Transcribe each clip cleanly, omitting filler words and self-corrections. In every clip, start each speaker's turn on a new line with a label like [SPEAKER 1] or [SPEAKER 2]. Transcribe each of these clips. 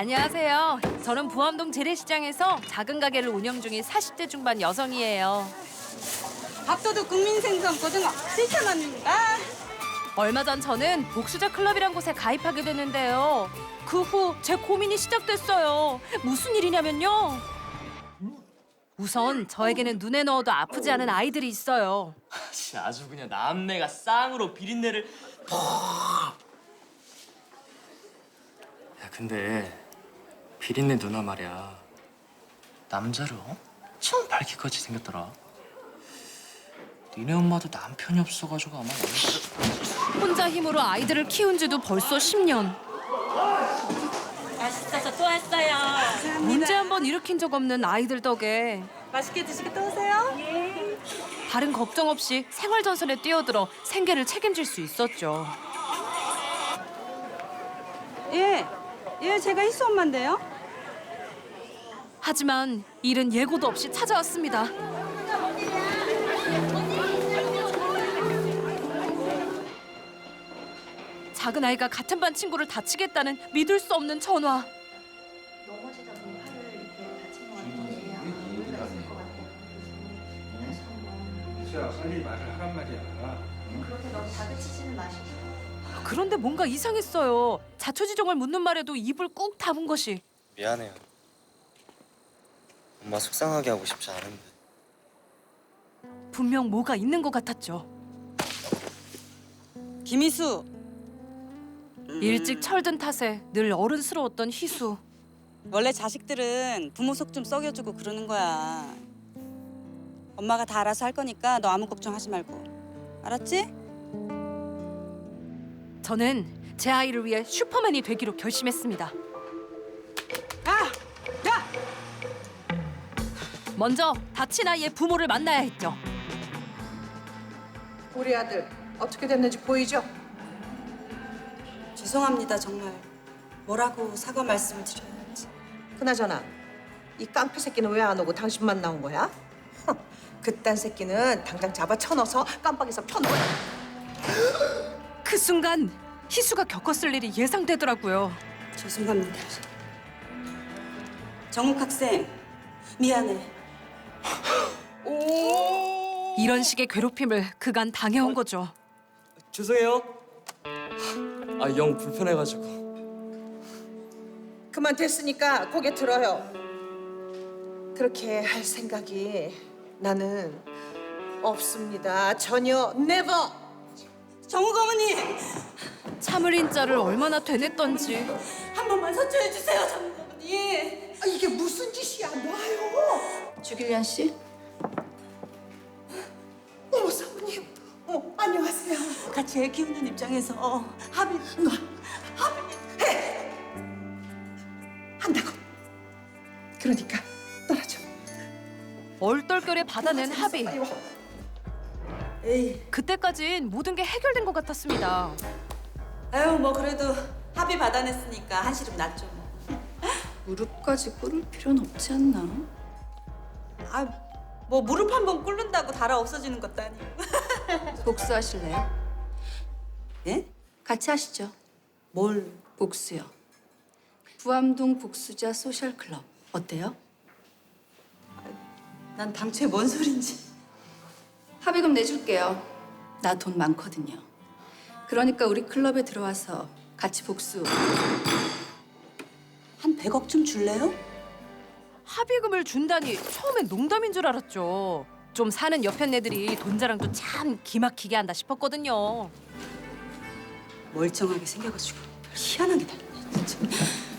[SPEAKER 1] 안녕하세요. 저는 부암동 재래시장에서 작은 가게를 운영 중인 40대 중반 여성이에요.
[SPEAKER 2] 밥도둑 국민생선 고등어 7,000원입니다.
[SPEAKER 1] 얼마 전 저는 복수자 클럽이란 곳에 가입하게 됐는데요. 그 후 제 고민이 시작됐어요. 무슨 일이냐면요. 우선 저에게는 눈에 넣어도 아프지 않은 아이들이 있어요.
[SPEAKER 3] 아주 그냥 남매가 쌍으로 비린내를 야 근데 비린내 누나 말이야 남자를 엄청 밝기까지 생겼더라. 니네 엄마도 남편이 없어가지고 아마
[SPEAKER 1] 혼자 힘으로 아이들을 키운 지도 벌써 10년.
[SPEAKER 2] 맛있어서 또 왔어요.
[SPEAKER 1] 문제 한 번 일으킨 적 없는 아이들 덕에
[SPEAKER 2] 맛있게 드시고 또 오세요.
[SPEAKER 1] 다른 걱정 없이 생활전선에 뛰어들어 생계를 책임질 수 있었죠.
[SPEAKER 2] 예, 제가 희수 엄마인데요.
[SPEAKER 1] 하지만 일은 예고도 없이 찾아왔습니다. 작은 아이가 같은 반 친구를 다치겠다는 믿을 수 없는 전화.
[SPEAKER 4] 희수야, 빨리 말을 하란 말이야.
[SPEAKER 1] 그런데 뭔가 이상했어요. 자초지종을 묻는 말에도 입을 꾹 다문 것이.
[SPEAKER 5] 미안해요. 엄마 속상하게 하고 싶지 않은데.
[SPEAKER 1] 분명 뭐가 있는 것 같았죠.
[SPEAKER 2] 김희수.
[SPEAKER 1] 일찍 철든 탓에 늘 어른스러웠던 희수.
[SPEAKER 2] 원래 자식들은 부모 속 좀 썩여주고 그러는 거야. 엄마가 다 알아서 할 거니까 너 아무 걱정하지 말고. 알았지?
[SPEAKER 1] 저는 제 아이를 위해 슈퍼맨이 되기로 결심했습니다.
[SPEAKER 2] 야!
[SPEAKER 1] 먼저 다친 아이의 부모를 만나야 했죠.
[SPEAKER 6] 우리 아들 어떻게 됐는지 보이죠?
[SPEAKER 2] 죄송합니다, 정말. 뭐라고 사과 말씀을 드려야지.
[SPEAKER 6] 그나저나 이 깡패 새끼는 왜 안 오고 당신만 나온 거야? 허, 그딴 새끼는 당장 잡아 쳐넣어서 깜빡에서 펴놓아.
[SPEAKER 1] 그 순간 희수가 겪었을 일이 예상되더라고요.
[SPEAKER 2] 죄송합니다. 정욱 학생, 미안해.
[SPEAKER 1] 이런 식의 괴롭힘을 그간 당해온 거죠.
[SPEAKER 3] 죄송해요. 아 영 불편해가지고.
[SPEAKER 6] 그만 됐으니까 고개 들어요. 그렇게 할 생각이 나는 없습니다. 전혀 never.
[SPEAKER 2] 정욱 어머니,
[SPEAKER 1] 참을 인자를 얼마나 되냈던지.
[SPEAKER 2] 한 번만 서초해 주세요, 정욱 어머니.
[SPEAKER 6] 아, 이게 무슨 짓이야? 놔요.
[SPEAKER 7] 주길련 씨?
[SPEAKER 6] 어머 사모님. 안녕하세요.
[SPEAKER 2] 같이 애 키우는 입장에서 합의.
[SPEAKER 6] 한다고. 그러니까 떨어져.
[SPEAKER 1] 얼떨결에 받아낸 합의.
[SPEAKER 6] 빨리 와.
[SPEAKER 2] 에이,
[SPEAKER 1] 그때까진 모든 게 해결된 것 같았습니다.
[SPEAKER 2] 아유 뭐 그래도 합의 받아냈으니까 한시름 났죠.
[SPEAKER 7] 무릎까지 꿇을 필요는 없지 않나?
[SPEAKER 2] 뭐 무릎 한 번 꿇는다고 달아 없어지는 것도 아니고.
[SPEAKER 7] 복수하실래요?
[SPEAKER 2] 예?
[SPEAKER 7] 같이 하시죠.
[SPEAKER 2] 뭘?
[SPEAKER 7] 복수요. 부암동 복수자 소셜클럽 어때요?
[SPEAKER 2] 난 당초에 뭔 소린지.
[SPEAKER 7] 합의금 내줄게요. 나 돈 많거든요. 그러니까 우리 클럽에 들어와서 같이 복수.
[SPEAKER 2] 한 100억 좀 줄래요?
[SPEAKER 1] 합의금을 준다니 처음엔 농담인 줄 알았죠. 좀 사는 옆에 애들이 돈 자랑도 참 기막히게 한다 싶었거든요.
[SPEAKER 2] 멀쩡하게 생겨가지고 희한하게 달렸네 진짜.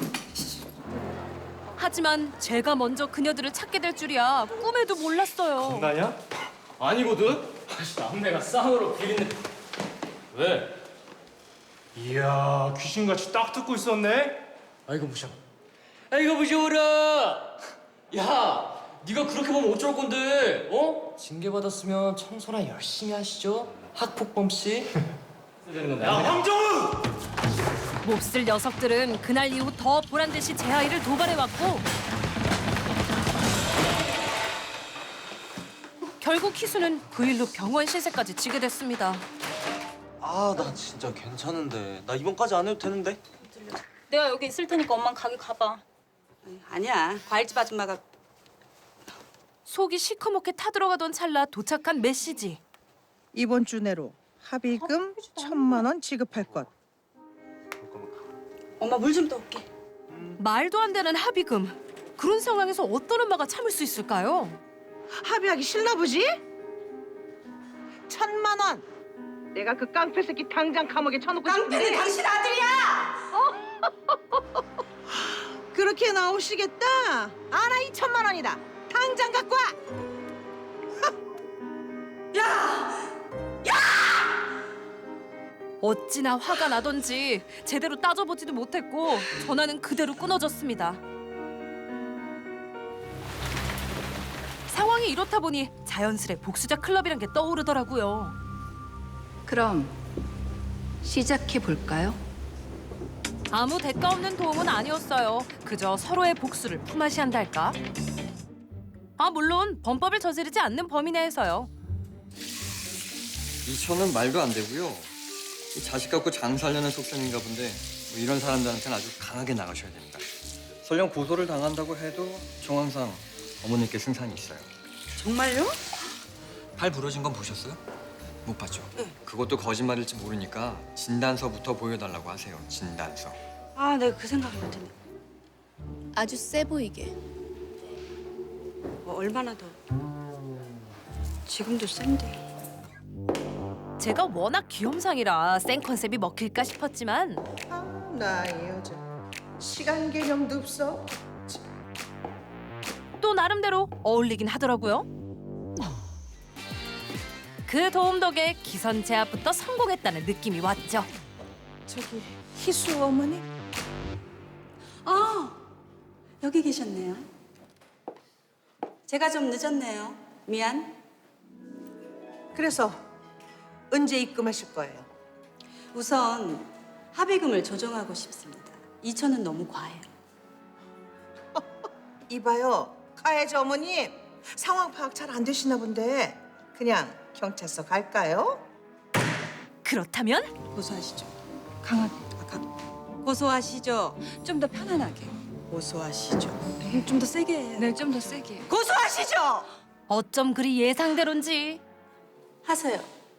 [SPEAKER 1] 하지만 제가 먼저 그녀들을 찾게 될 줄이야 꿈에도 몰랐어요.
[SPEAKER 3] 나냐? 아니거든. 남매가 쌍으로 비린내. 왜?
[SPEAKER 4] 이야, 귀신같이 딱 듣고 있었네.
[SPEAKER 3] 아이고 무셔. 아이고 무셔라. 야, 네가 그렇게 보면 어쩔 건데? 어? 징계 받았으면 청소나 열심히 하시죠. 학폭범 씨.
[SPEAKER 4] 야, 황정우!
[SPEAKER 1] 몹쓸 녀석들은 그날 이후 더 보란듯이 제 아이를 도발해왔고 결국 희수는 그 일로 병원 신세까지 지게 됐습니다.
[SPEAKER 5] 아, 나 진짜 괜찮은데. 나 이번까지 안 해도 되는데. 내가 여기 있을 테니까 엄만 가게 가봐.
[SPEAKER 2] 아니야. 과일집 아줌마가
[SPEAKER 1] 속이 시커멓게 타들어가던 찰나 도착한 메시지.
[SPEAKER 6] 이번 주 내로 합의금 1,000만 원 지급할 것.
[SPEAKER 2] 엄마 물 좀 떠올게.
[SPEAKER 1] 말도 안 되는 합의금. 그런 상황에서 어떤 엄마가 참을 수 있을까요?
[SPEAKER 6] 합의하기 싫나 보지? 1,000만 원. 내가 그 깡패 새끼 당장 감옥에 쳐놓고
[SPEAKER 2] 깡패는 당신 아들이야!
[SPEAKER 6] 그렇게 나오시겠다? 알아, 2,000만 원이다. 당장 갖고 와.
[SPEAKER 1] 어찌나 화가 나던지 제대로 따져보지도 못했고 전화는 그대로 끊어졌습니다. 상황이 이렇다 보니 자연스레 복수자 클럽이란 게 떠오르더라고요.
[SPEAKER 7] 그럼 시작해 볼까요?
[SPEAKER 1] 아무 대가 없는 도움은 아니었어요. 그저 서로의 복수를 품앗이 한달까? 아 물론 범법을 저지르지 않는 범위 내에서요.
[SPEAKER 8] 2천은 말도 안 되고요. 이 자식 갖고 장사하려는 속셈인가 본데 뭐 이런 사람들한테는 아주 강하게 나가셔야 됩니다. 설령 고소를 당한다고 해도 정황상 어머니께 승산이 있어요.
[SPEAKER 2] 정말요?
[SPEAKER 8] 팔 부러진 건 보셨어요? 못 봤죠? 그것도 거짓말일지 모르니까 진단서부터 보여달라고 하세요. 진단서.
[SPEAKER 2] 아, 내가 그 생각을 못했네.
[SPEAKER 7] 아주 세 보이게.
[SPEAKER 2] 뭐 얼마나 더. 지금도 센데.
[SPEAKER 1] 제가 워낙 귀염상이라 센 컨셉이 먹힐까 싶었지만
[SPEAKER 6] 나 이 여자 시간 개념도 없어.
[SPEAKER 1] 또 나름대로 어울리긴 하더라고요. 그 도움 덕에 기선 제압부터 성공했다는 느낌이 왔죠.
[SPEAKER 6] 저기 희수 어머니?
[SPEAKER 2] 아, 여기 계셨네요. 제가 좀 늦었네요. 미안.
[SPEAKER 6] 그래서 언제 입금하실 거예요?
[SPEAKER 2] 우선 합의금을 조정하고 싶습니다. 2천은 너무 과해요.
[SPEAKER 6] 이봐요, 가해자 어머님. 상황 파악 잘 안 되시나 본데 그냥 경찰서 갈까요?
[SPEAKER 1] 그렇다면
[SPEAKER 2] 고소하시죠. 강하게. 고소하시죠. 좀 더 편안하게. 고소하시죠. 좀 더 세게 해요.
[SPEAKER 5] 네, 좀 더 세게.
[SPEAKER 2] 고소하시죠.
[SPEAKER 1] 어쩜 그리 예상대로인지.
[SPEAKER 2] 하세요.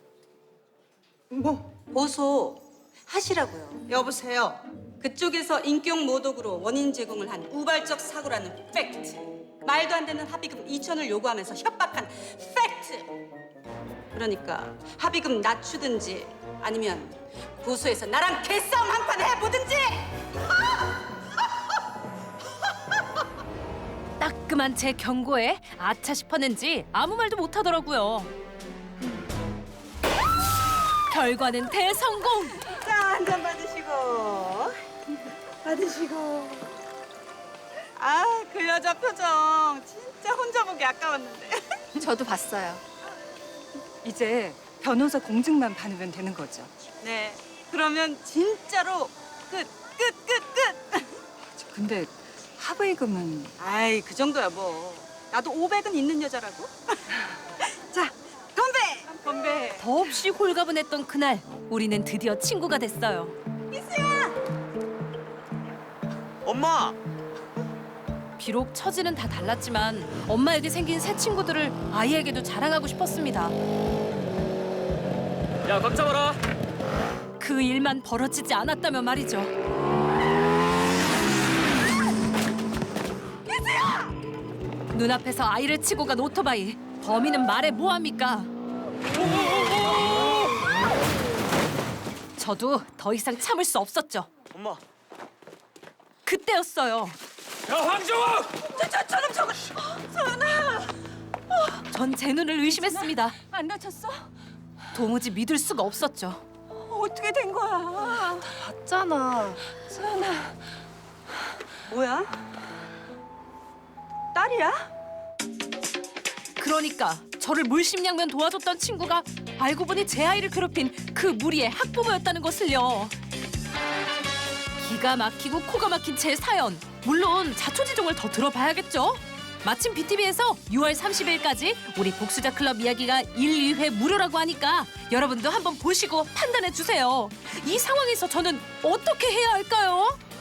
[SPEAKER 6] 뭐
[SPEAKER 2] 고소 하시라고요.
[SPEAKER 6] 여보세요.
[SPEAKER 2] 그쪽에서 인격 모독으로 원인 제공을 한 우발적 사고라는 팩트. 말도 안 되는 합의금 2천을 요구하면서 협박한 팩트. 그러니까 합의금 낮추든지 아니면 고소해서 나랑 개싸움 한 판 해보든지.
[SPEAKER 1] 따끔한 제 경고에 아차 싶었는지 아무 말도 못하더라고요. 결과는 대성공!
[SPEAKER 2] 자, 한 잔 받으시고. 받으시고. 아, 그 여자 표정 진짜 혼자 보기 아까웠는데.
[SPEAKER 7] 저도 봤어요.
[SPEAKER 9] 이제 변호사 공증만 받으면 되는 거죠.
[SPEAKER 2] 네, 그러면 진짜로 끝.
[SPEAKER 9] 근데 합의금은
[SPEAKER 2] 아이, 그 정도야 뭐. 나도 500은 있는 여자라고. 자, 건배! 건배.
[SPEAKER 1] 더없이 홀가분했던 그날 우리는 드디어 친구가 됐어요.
[SPEAKER 3] 엄마!
[SPEAKER 1] 비록 처지는 다 달랐지만 엄마에게 생긴 새 친구들을 아이에게도 자랑하고 싶었습니다.
[SPEAKER 3] 야, 각 잡아라.
[SPEAKER 1] 그 일만 벌어지지 않았다면 말이죠. 눈앞에서 아이를 치고 간 오토바이. 범인은 말해 뭐합니까? 저도 더 이상 참을 수 없었죠.
[SPEAKER 3] 엄마.
[SPEAKER 1] 그때였어요.
[SPEAKER 3] 야, 황정욱!
[SPEAKER 1] 전 제 눈을 의심했습니다.
[SPEAKER 9] 안 다쳤어?
[SPEAKER 1] 도무지 믿을 수가 없었죠.
[SPEAKER 9] 어떻게 된 거야?
[SPEAKER 7] 봤잖아.
[SPEAKER 2] 뭐야? 딸이야?
[SPEAKER 1] 그러니까 저를 물심양면 도와줬던 친구가 알고 보니 제 아이를 괴롭힌 그 무리의 학부모였다는 것을요. 기가 막히고 코가 막힌 제 사연. 물론 자초지종을 더 들어봐야겠죠. 마침 BTV에서 6월 30일까지 우리 복수자 클럽 이야기가 1, 2회 무료라고 하니까 여러분도 한번 보시고 판단해 주세요. 이 상황에서 저는 어떻게 해야 할까요?